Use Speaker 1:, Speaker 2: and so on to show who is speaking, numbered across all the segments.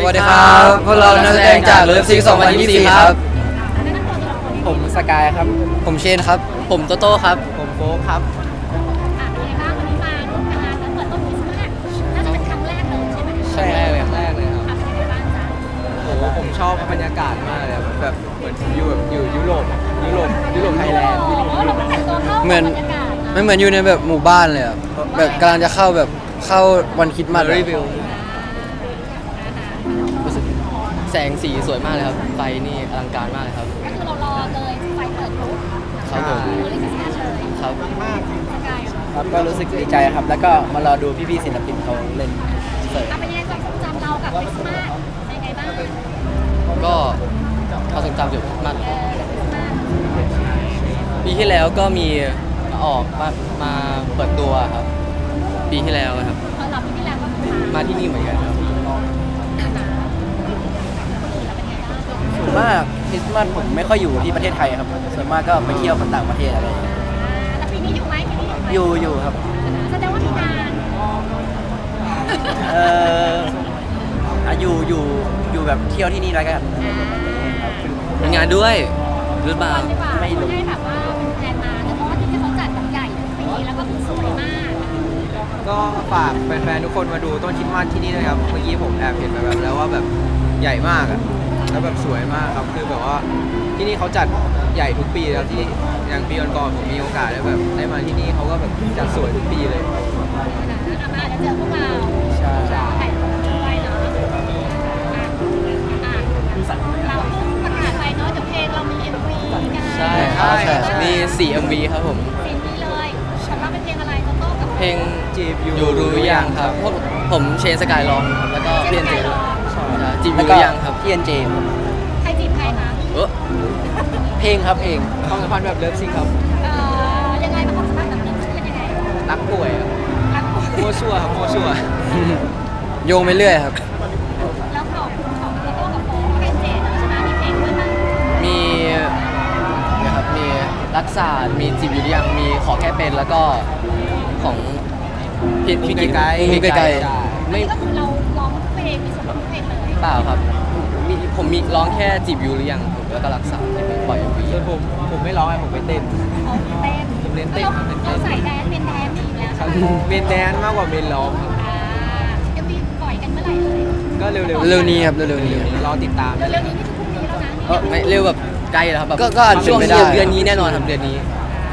Speaker 1: วัสดีครับพวกเรานักแสดงจากเลิฟซิก2024ครับ
Speaker 2: ผมสกายครับ
Speaker 1: ผมเชนครับผมโตโต้ครับผมโฟกครับ
Speaker 3: เป็นไงบ้างวันนี้มาร่วมงานแล้วเปิดต้นคริสต์มาสน่าจะเป็นครั้งแรกเลยใช่ไหม
Speaker 1: ใช่ครั้งแรกเลยครับ
Speaker 3: เป็นไงบ้างจ๊ะ
Speaker 1: โอ้ผมชอบบรรยากาศมากเลยแบบเหมือนอยู่ยุโรปไทยแลนด์
Speaker 3: โอ้โหเราแต่งตัวเข้า
Speaker 1: เหมือน
Speaker 3: บรรยากาศนะ
Speaker 1: ไม่เหมือนอยู่ในแบบหมู่บ้านเลยอะแบบกำลังจะเข้าวันคริสต์มาสรีวิวแสงสีสวยมากเลยครับไฟนี่อลังการมากเลยครับ
Speaker 3: ก็คือเรารอเลยไฟเปิดปุ๊บ
Speaker 1: ครับผม
Speaker 3: ดูเลยคริสต์มาสเลย
Speaker 1: ครับ
Speaker 3: สกาย
Speaker 2: ครับก็รู้สึกดีใจครับ แล้วก็มารอดูพี่ๆศิลปินเขาเล่นเสิร์ฟ
Speaker 3: เป็นยังไงความทรงจำเรากับคริสต์มาสเป็นยังไงบ้าง
Speaker 1: ก็ความทรงจำเกี่ยวกับคริสต์มาส
Speaker 3: คริสต์มาส
Speaker 1: ปีที่แล้วก็มีออกมาเปิดตัวครับ ปีที่แล้วครับ
Speaker 3: ตอนเราปีที่แล้วก็คือ
Speaker 1: มาที่นี่เหมือนกันครับ
Speaker 2: ส่วนมากคริสต์มาสผมไม่ค่อยอยู่ที่ประเทศไทยครับ ส่วนมากก็ไปเที่ยวต่างประเทศอะไรอย่างเงี้ย
Speaker 3: แล้วปีนี้อยู่ไหมปีนี้อยู่ไหม
Speaker 2: อยู่ครับ
Speaker 3: แสดงว่ามีงาน
Speaker 2: เอออ่ะอยู่แบบเที่ยวที่นี่แล้วกันครับ
Speaker 1: มีงานด้วยหรือเปล่า
Speaker 3: ดีกว่า
Speaker 2: ไม่รู้
Speaker 3: ให้แบบว่าแฟนมาแต่เพราะว่าที่เขาจัดแบบใหญ่ทุกปีแล้วก็คือสวยมาก
Speaker 4: ก็ฝากแฟนๆทุกคนมาดูต้นคริสต์มาสที่นี่นะครับ เมื่อกี้ผมแอบเห็นแบบแล้วว่าแบบใหญ่มากอะแล้วแบบสวยมากครับ คือแบบว่าที่นี่เขาจัดใหญ่ทุกปีแล้วที่อย่างปีก่อนๆผมมีโอกาสได้มาที่นี่เขาก็แบบจัดสวยทุกปีเลย
Speaker 3: อามาแล้วเจอพวกเรา
Speaker 2: ใช่
Speaker 3: ถ่ายรูปด้วยเนาะเราประกาศไปเนาะเดี๋ยวเพลงเรามี MV กัน
Speaker 1: ใช่ครับมี 4 MV ครับผม
Speaker 3: สิ่งนี้เลยสำหรับเป็นเพลงอะไรโตโต้กับ
Speaker 1: เพลง
Speaker 4: จีบอยู่
Speaker 1: อยู่รู้หรือยังครับพวกผมเชนสกายร้องครับแล้วก็พี่เอ็นเจด้วยจีบอ
Speaker 2: แล้ว
Speaker 1: ยู่ห
Speaker 2: ก็
Speaker 1: รือยังครับ
Speaker 2: พี่เอ็นเจ
Speaker 3: ใครจีบใครคะ
Speaker 2: เพลงครับเพลง
Speaker 4: ความสัมพันธ์แบบเลิฟซิงครับ
Speaker 3: ยังไงบ้างความสัมพันธ์แบบนี้เป็นยังไง
Speaker 4: รักป่วยอะ
Speaker 3: รัก
Speaker 4: มั่วซั่วครับมั่วซั่ว
Speaker 1: โยงไปเรื่อยครับ
Speaker 3: แล้วของโตโต้กับโฟร์เป็นเจเนอะใช่ไหมมีเพลงด้วยมั้ย
Speaker 1: มีนะครับมีรักษามีจีบอยู่หรือยังมีขอแค่เป็นแล้วก็ของพี่กิ๊กมุ้งไกลๆ
Speaker 3: ไม่
Speaker 1: ไม่
Speaker 3: ก็คือเราร้องเพลงมีส่วนร้องเพลงเลย
Speaker 1: เปล่าครับผมมีร้องแค่จีบอยู่หรือยังผมแล้วก็รักษาที่เป็นปล่อย MV
Speaker 4: ส่วนผมไม่ร้องไงผมไปเต้น
Speaker 3: เอาเต้น
Speaker 4: ผมเล่นเต้น
Speaker 3: เราใส่แดนเป็นแดนอีกแล้ว
Speaker 4: ครับเมนแดนมากกว่าเมนร้องครับ
Speaker 3: จะมีปล่อยกันเมื่อไหร่เลย
Speaker 4: ก็เร็ว
Speaker 1: เร็วนี้ครับเร็วๆนี้
Speaker 4: รอติดตามได้เล
Speaker 3: เร็
Speaker 4: ยว
Speaker 3: ๆนี้นี่คือพรุ่งนี้แล้วนะ
Speaker 1: ก็ไม่เร็วแบบใกล้แล้วครับแบบก็อาจจะช่วง เป็นไปได้เดือนนี้แน่นอนครับเดือนนี้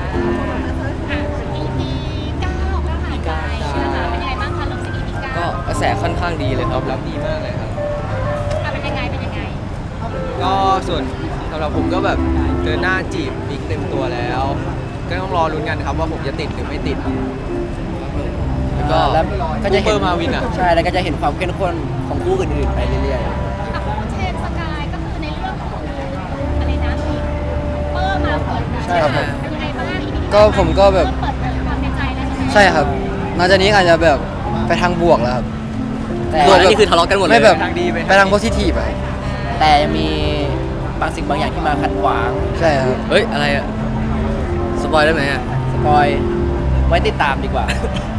Speaker 3: EP 9ก็หายไปนะคะเป็นยังไงบ้างคะเรื่องซี EP 9
Speaker 1: ก็กระแสค่อนข้างดีเลยค
Speaker 4: ต
Speaker 1: รั
Speaker 4: อ
Speaker 1: บบ
Speaker 4: รับดีมากเลยครับ
Speaker 3: เป็นยังไงเป็นยังไง
Speaker 4: ก็ส่วนสำหรับผมก็แบบเดินหน้าจีบบิ๊กเต็มตัวแล้ว ก็ต้องรอลุ้นกันครับว่าผมจะติดหรือไม่ติด
Speaker 1: แล้วก็
Speaker 2: แล้วก็จะเห็น
Speaker 4: ซูเปอร์มาวินอะ
Speaker 2: ใช่แล้วก็จะเห็นความเข้มข้นของคู่อื่นๆไปเรื่อย
Speaker 3: กับคู่เชนสกายก็คือในเรื่องของอะไรนะมีเปอร์มาเปิดนะเป็นยังไงบ้าง EP
Speaker 1: ก็ผมก็แบบ
Speaker 3: เปิดเผยความในใจแล้วใช่ไหม
Speaker 1: ใช่ครับหลังจากนี้อาจจะแบบไปทางบวกแล้วครับ
Speaker 2: ๆแต่
Speaker 1: บวกนี่คือทะเลาะกันหมดเลยไม่แบบ
Speaker 4: ไปทางดี
Speaker 1: ไปทางโพสิทีฟอะ
Speaker 2: แต่ยังมีบางสิ่งบางอย่างที่มาขัดขวาง
Speaker 1: ใช่ครับเฮ้ยอะไรอะสปอยได้ไหมอะ
Speaker 2: สปอยไว้ติดตามดีกว่า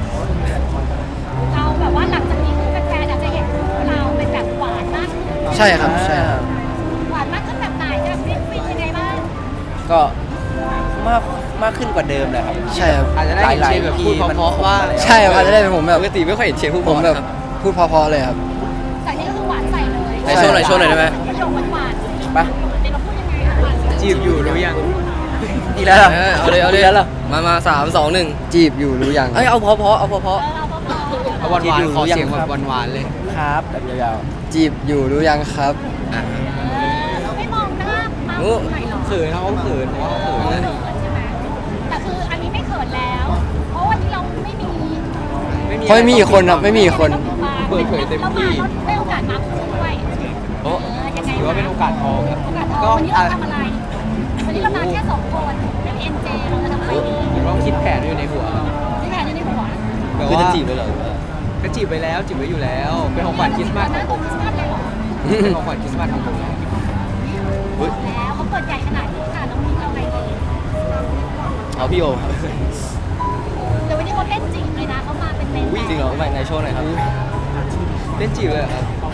Speaker 3: เราแบบว่าหลังจากนี้คือแฟนๆอาจจะเห็นคู่เราเป็นแบบหวานมากขึ้น
Speaker 1: ใช่ครับใช่ครับ
Speaker 3: หวานมากขึ้นแบบไหนจะแบบฟินยังไงบ้าง
Speaker 2: ก็มากขึ้นกว่าเดิมเลยครับ
Speaker 1: ใช่ครับ
Speaker 4: อาจจะได้เห็นเชนแบบพูดเพราะๆว่า
Speaker 1: ใช่ครับอาจจะได้เป็นผมแบบ
Speaker 4: ปกติไม่ค่อยเห็นเชนพูด
Speaker 1: ผมแบบ
Speaker 4: ครับ
Speaker 1: พูดเพราะๆเลยครับ
Speaker 3: จากนี้ก็คือหวานใส่เลย
Speaker 1: ไหนโชว์หน่อยโชว์หน่อยได้ไหม
Speaker 3: ประโยคหวานๆสิ
Speaker 2: ไป
Speaker 3: เดี๋ยวเราพูดยังไงอะหวาน
Speaker 4: จีบอยู่หรือยัง
Speaker 2: อีกแล้วเหรอ
Speaker 1: เอาเลยเอาเลย
Speaker 2: กแล้วเหรอ
Speaker 1: มา3 2 1จีบอยู่รู้ยังเอ้ยเอาเพราะเอาเพราะ
Speaker 3: เราเบา
Speaker 4: เอาหวานๆขอเสียงแบบหวานๆเลย
Speaker 2: ครับแบบยาว
Speaker 1: จีบอยู่รู้ยังครับ
Speaker 3: ๆเราไม่มองหน้ามา
Speaker 1: โอ้
Speaker 3: ไหนหรอก
Speaker 4: เขินเขาเขินเพราะเขาเขิน
Speaker 3: เขินใช่ไหมแต่คืออันนี้ไม่เขินแล้ว เพราะวันนี้เราไม่มี
Speaker 1: เพราะไม่มีอีกคนครับไม่มีอีกคน
Speaker 4: เปิดเผยเต็มที่
Speaker 3: แล้วได้โอกาสมาพูดด้วย
Speaker 1: โอ้
Speaker 3: ยังไง
Speaker 4: ถือว่าเป็นโอกาสทองครับ
Speaker 3: โอกาสทอง
Speaker 4: ก็
Speaker 3: วันนี้เราทำอะไร วันนี้เรามาแค่2 คนเป็น NJ เราจะทำอะไรดี
Speaker 4: หรือว่าคิดแผนอยู่ในหัวครับ
Speaker 3: นี่แผนอยู่ในหัว
Speaker 4: แบบ
Speaker 1: คือ
Speaker 4: ว่า
Speaker 1: จะจีบเลยเหรอ
Speaker 4: ก็จีบไปแล้วจีบไว้อยู่แล้ว เป็นของขวัญคริสต์มาส
Speaker 3: ห
Speaker 4: ข
Speaker 3: น้า
Speaker 4: องผ
Speaker 3: ตัว
Speaker 4: ม
Speaker 3: คริสต์มาสเลยเหรอ
Speaker 4: เป็นของขวัญคริสต์มาสของผม
Speaker 3: แล้วเขาเปิดใหญ่ขนาดนี้ค่ะน้องมิ้นเอาอะไรดี
Speaker 1: เอาพี่โอครับ
Speaker 3: เดี๋ยววันนี้เขาเล่นจริงเลยนะเขามาเป็นเล่น
Speaker 1: จริงเหรอไม่ในโชว์หน่อยครับ
Speaker 4: เล่นจีบเลยเหรอครับ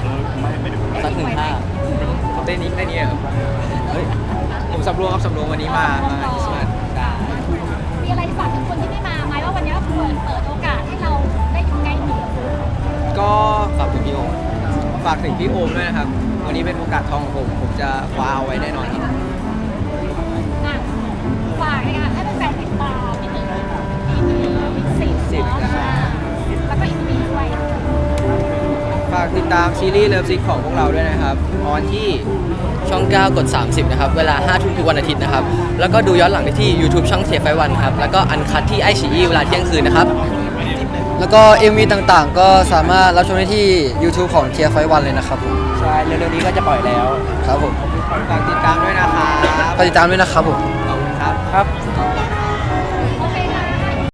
Speaker 1: สัก1 ท่า
Speaker 4: เต้นนี้ได้เนี่ยเฮ้ยผมสำรวมครับสำรวมวันนี้มาคริสต์มาส
Speaker 3: มีอะไรฝากถึงคนที่ไม่มาไหมว่าวันนี้เปิดโอกาสให้เราได้อยู่ใกล้ชิดกับคุณ
Speaker 4: ก็
Speaker 1: ฝากถึงพี่โอม
Speaker 4: ฝากถึงพี่โอมด้วยนะครับ วันนี้เป็นโอกาสทองของผมจะคว้าเอาไว้แน่นอนครับ
Speaker 3: อ่ะฝากเลยค่ะให้แฟนๆติดตามนิดนึง EP 10เนาะแล้วก็ EP ด้วย
Speaker 4: ฝากติดตามซีรีส์เลิฟซิกของพวกเราด้วยนะครับออนที่
Speaker 1: ช่อง 9 กด 30 นะครับ เวลา 5 ทุ่มทุกวันอาทิตย์นะครับ แล้วก็ดูย้อนหลังได้ที่ YouTube ช่องเทียไฟวันครับ แล้วก็อันคัดที่ไอชีเวลาเที่ยงคืนนะครับ
Speaker 5: แล้วก็ MV ต่างๆ ก็สามารถรับชมได้ที่ YouTube ของ Tier 5 One เลยนะครับผม
Speaker 2: ใช่เร็วๆนี้ก็จะปล่อยแล้ว
Speaker 5: ครับผม
Speaker 4: ฝากติดตามด้วยนะครับ
Speaker 5: ฝากติดตามด้วยนะครับผม
Speaker 4: ขอบคุณครับ
Speaker 2: ครับ